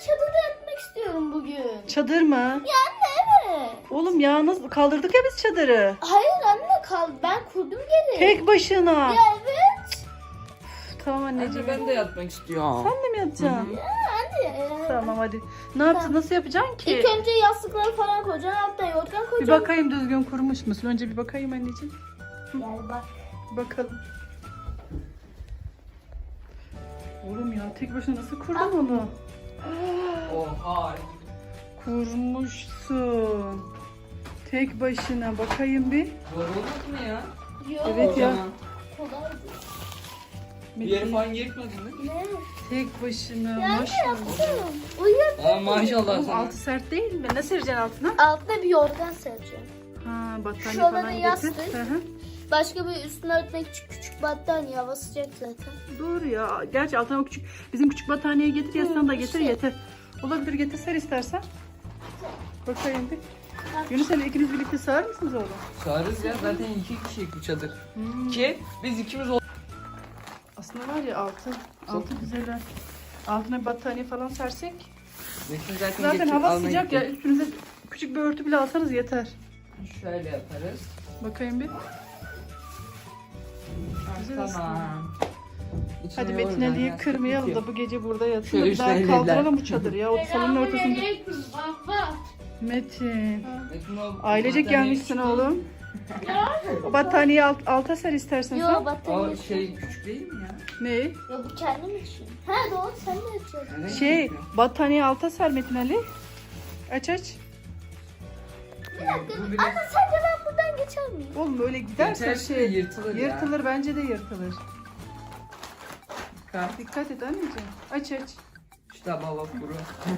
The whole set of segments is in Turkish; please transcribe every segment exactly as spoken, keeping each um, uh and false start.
çadırda yatmak istiyorum bugün. Çadır mı? Ya anne evet. Oğlum ya nasıl kaldırdık ya biz çadırı. Hayır anne kal. Ben kurdum geri. Tek başına. Ya evet. Tamam Anne anneciğim. ben de yatmak istiyorum. Sen de mi yatacaksın? Ya anne. Tamam hadi. Ne yaptın? Nasıl yapacaksın ki? İlk önce yastıkları falan koyacaksın. Alttan yorgan Bir koyacaksın. bakayım düzgün kurmuş musun? Önce bir bakayım anneciğim. Gel bak. Bakalım. Oğlum ya tek başına nasıl kurdun onu? Oha. Kurmuşsun. Tek başına bakayım bir. Zor olmaz mı ya? Yok. Evet ya. Kocaman. Kolaydı. Bir yere falan yırtmadın değil mi? Ne? Tek başına Ya anne maşallah. yaptım. Uyuyor. Aa maşallah Oğlum sana. altı sert değil mi? Ne sereceksin altına? Altına bir yorgan sereceğim. Ha battaniye Şurada falan da getir. yastık. Hı hı. Başka bir üstüne örtmek küçük küçük battaniye. Hava sıcak zaten. Doğru ya. Gerçi altına o küçük bizim küçük battaniyeyi getir yastığını da getir işte. yeter. Olabilir getir ser istersen. Bakayım bir. Yunus sen ikiniz birlikte sığar mısınız oğlum? Sağırız ya zaten iki kişilik bu çadır. Hmm. Ki biz ikimiz ol. Aslında var ya altı. Altı güzel. ha. Altına bir battaniye falan sersek. Metin zaten, Zaten getir, hava almaya sıcak gitti. ya. Üstünüze küçük bir örtü bile alsanız yeter. Şöyle yaparız. Bakayım bir. Güzel Tamam. İçine Hadi yorgan, Metin Ali'yi yastık kırmayalım bitiyor. da bu gece burada yatsın. Şöyle Bir daha üstüne kaldıralım bu çadırı ya. O salonun ortasında. baba. Metin. Metin o Ailecek battaniye gelmişsin küçük oğlum. O battaniyeyi alt, alta ser istersen sen. Yok değil. battaniye. O şey küçük değil mi ya? Ne? Ya bu kendim için. Ha doğru sen de yapacaksın. Neden Şey, küçük ya? battaniye alta ser Metin Ali. Aç aç. Bir dakika. Bu biraz- Anne sence ben buradan geçer miyim? Oğlum öyle giderse Geçerse şey yırtılır ya. yırtılır bence de yırtılır. Kalk. Dikkat et anneciğim. Aç aç. İşte baba kuru.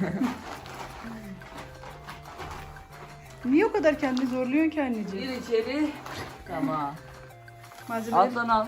Niye o kadar kendini zorluyorsun ki anneciğim? Gir içeri. Tamam. Malzemeleri. Alttan al.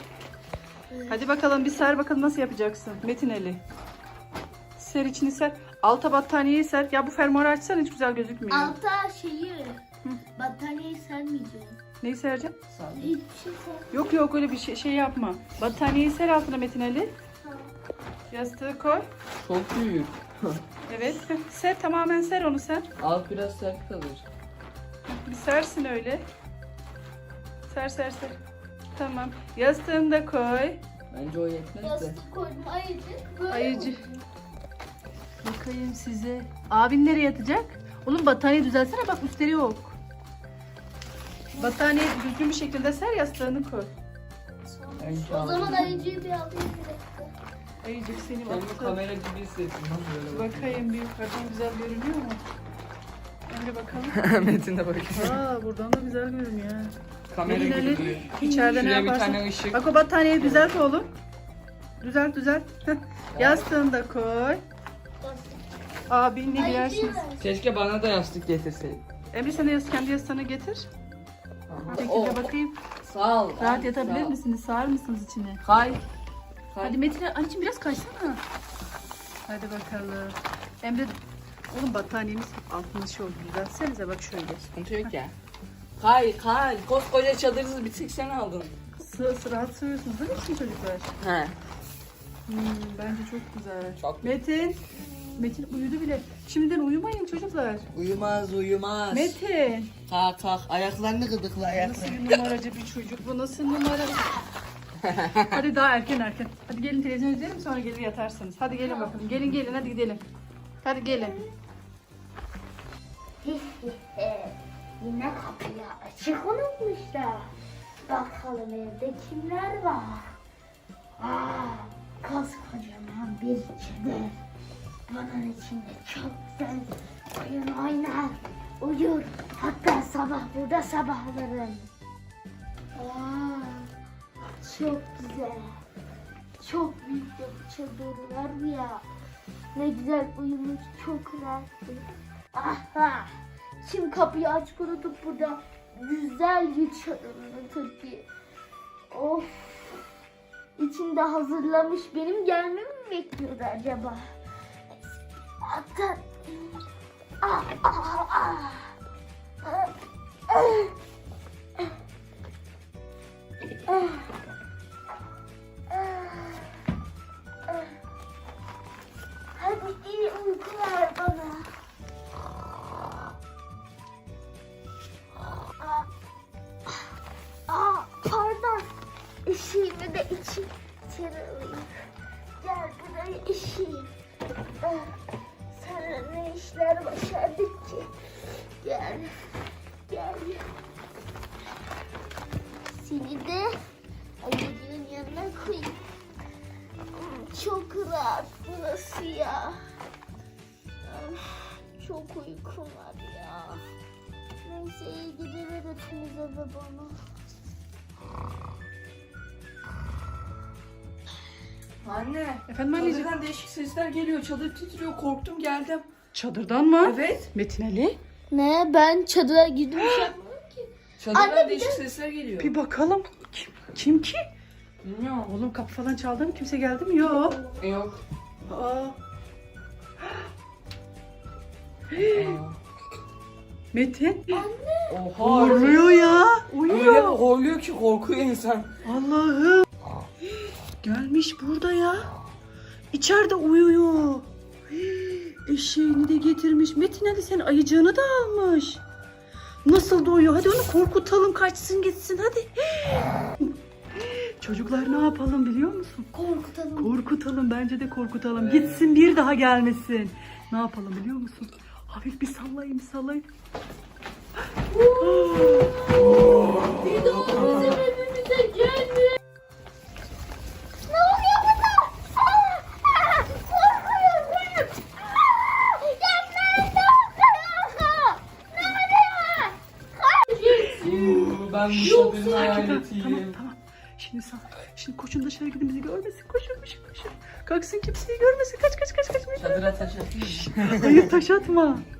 Hadi bakalım bir ser bakalım nasıl yapacaksın Metin Ali. Ser içini ser. Alta battaniyeyi ser. Ya bu fermuarı açsan hiç güzel gözükmüyor. Alta şeyi battaniyeyi sermeyeceğim. Neyi sereceksin? Sağ Hiçbir şey ser. Yok yok öyle bir şey, şey yapma. Battaniyeyi ser altına Metin Ali. Yastığı koy. Çok büyük. Evet. Ser tamamen ser onu ser. Alt biraz sert kalır. Bir sersin öyle. Ser ser ser. Tamam. Yastığını da koy. Bence o yetmez de. Yastık koydum ayıcık. Böyle Ayıcı. koydum. Bakayım size. Abin nereye yatacak? Oğlum battaniye düzelsene bak üstleri yok. Battaniye düzgün bir şekilde ser yastığını koy. Önce O zaman al. ayıcıyı bir alayım bir dakika. Ayıcık seni Kendimi baktı. kamera gibi hissettim. Nasıl böyle Bakayım bir yukarıdan güzel görünüyor mu? Önce bakalım. Metin de bakıyor. Aa buradan da güzel görünüyor. ha. Kamera Metin gibi Ali, duruyor. İçeride ne Şuraya bir yaparsın? tane ışık. Bak o battaniyeyi düzelt oğlum. Düzelt düzelt. Heh. Yastığını da koy. Yastık. Abinle Ayıcıyı girersiniz. ver. Keşke bana da yastık getirseydin. Emre sen de yas- kendi yastığını getir. Bu Oh, şekilde bakayım. sağ ol. Rahat sağ yatabilir ol. misiniz? Sığar mısınız içine? Kay. Kay. Hadi Metin anneciğim biraz kaysana. Hadi bakalım. Emre oğlum battaniyemiz altında şey oldu. Düzeltsenize bak şöyle. Sıkıntı yok ya. Kay kay. Koskoca çadırınızı bir tek sen aldın. Sı sı rahat sığıyorsunuz değil mi şimdi çocuklar? He. Hmm, bence çok güzel. Çok. Metin. Metin uyudu bile. Şimdiden uyumayın çocuklar. Uyumaz uyumaz. Metin. Kalk kalk. Ayaklarını gıdıkla Nasıl ayaklarını. bir numaracı bir çocuk bu? Nasıl numara? Hadi daha erken erken. Hadi gelin televizyon izleyelim sonra gelir yatarsınız. Hadi gelin bakalım. Gelin gelin hadi gidelim. Hadi gelin. Yine kapıyı açık unutmuşlar. Bakalım evde kimler var? Aa, koskocaman bir çadır. Bunun içinde çok güzel oyun oynar, uyur. Hatta sabah burada sabahlarım. Aa, çok güzel. Çok büyük bir çadır var ya. Ne güzel uyumuş, çok rahattı. Aha! Kim kapıyı açık unutup burada güzel bir çadırını Türkiye. Of! İçinde hazırlamış benim gelmemi mi bekliyordu acaba? Hatta... Ah, ah, ah. Ah, ah. Ah. Ah. Hadi iyi uyku Gel. Gel. Seni de ayıcığın yanına koyayım. Çok rahat burası ya. Çok uykum var ya. Neyse iyi geceler hepinize ve bana. Anne. Efendim anneciğim? Çadırdan değişik sesler geliyor. Çadır titriyor. Korktum geldim. Çadırdan mı? Evet. Metin Ali. Ne? Ben çadıra girdim bir şey yapmadım ki. Çadırdan Anne, bir değişik de- sesler geliyor. Bir bakalım. Kim, kim ki? Bilmiyorum. Oğlum kapı falan çaldı mı? Kimse geldi mi? Yok. Yok. Aa. Aa. Metin. Oha. Horluyor ya. Öyle Uyuyor. horluyor ki korkuyor insan. Allah'ım. Gelmiş burada ya. İçeride uyuyor. Hii, Eşeğini de getirmiş. Metin Ali sen ayıcığını da almış. Nasıl da uyuyor? Hadi onu korkutalım, kaçsın gitsin hadi. Hii. Çocuklar ne yapalım biliyor musun? Korkutalım. Korkutalım, bence de korkutalım. Gitsin, bir daha gelmesin. Ne yapalım biliyor musun? Hafif bir sallayayım sallayayım. Bir de o bizim evimize gelmiyor. Ne oluyor burada? Aa, aa, korkuyorum. Aa, ya nerede o? Nerede? Kaç. Ben bu çadırın hayaletiyim. Tamam tamam. Şimdi sal. Şimdi koşun dışarı gidin, bizi görmesin. Koşun koşun koşun. Kalksın, kimseyi görmesin. Kaç kaç kaç kaç. Çadıra taş atayım. Hayır, taş atma.